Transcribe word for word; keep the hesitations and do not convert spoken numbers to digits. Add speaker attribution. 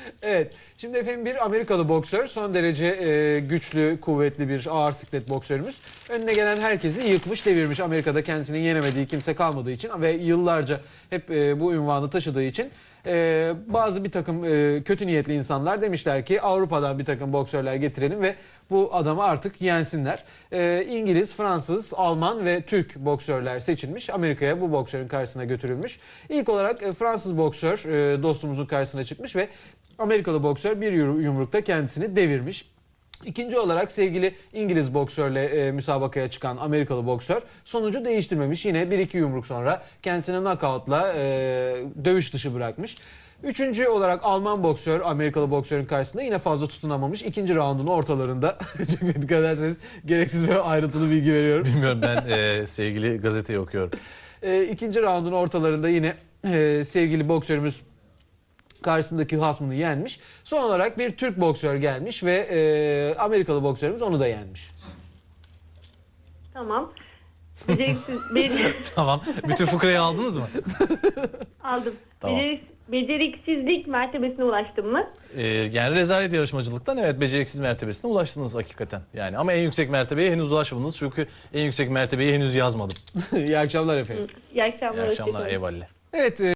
Speaker 1: Evet. Şimdi efendim bir Amerikalı boksör, son derece e, güçlü, kuvvetli bir ağır siklet boksörümüz. Önüne gelen herkesi yıkmış, devirmiş. Amerika'da kendisinin yenemediği kimse kalmadığı için ve yıllarca hep e, bu unvanı taşıdığı için e, bazı bir takım e, kötü niyetli insanlar demişler ki Avrupa'dan bir takım boksörler getirelim ve bu adamı artık yensinler. E, İngiliz, Fransız, Alman ve Türk boksörler seçilmiş. Amerika'ya bu boksörün karşısına götürülmüş. İlk olarak e, Fransız boksör e, dostumuzun karşısına çıkmış ve Amerikalı boksör bir yumrukta kendisini devirmiş. İkinci olarak sevgili İngiliz boksörle e, müsabakaya çıkan Amerikalı boksör sonucu değiştirmemiş. Yine bir iki yumruk sonra kendisini knockoutla e, dövüş dışı bırakmış. Üçüncü olarak Alman boksör Amerikalı boksörün karşısında yine fazla tutunamamış. İkinci raundun ortalarında çok dikkat ederseniz gereksiz ve ayrıntılı bilgi veriyorum.
Speaker 2: Bilmiyorum, ben e, sevgili gazeteyi okuyorum.
Speaker 1: E, ikinci raundun ortalarında yine e, sevgili boksörümüz karşısındaki hasmını yenmiş. Son olarak bir Türk boksör gelmiş ve e, Amerikalı boksörümüz onu da yenmiş.
Speaker 3: Tamam. Beceriksiz, be-
Speaker 2: Tamam. Bütün fıkrayı aldınız mı?
Speaker 3: aldım.
Speaker 2: Tamam.
Speaker 3: Becerik- beceriksizlik mertebesine ulaştım mı?
Speaker 2: Ee, yani rezalet yarışmacılıktan evet beceriksiz mertebesine ulaştınız hakikaten. Yani ama en yüksek mertebeye henüz ulaşmadınız çünkü en yüksek mertebeyi henüz yazmadım.
Speaker 1: İyi akşamlar efendim.
Speaker 3: İyi akşamlar.
Speaker 2: İyi akşamlar,
Speaker 3: hoşçakalın.
Speaker 2: eyvallah.
Speaker 1: Evet. E,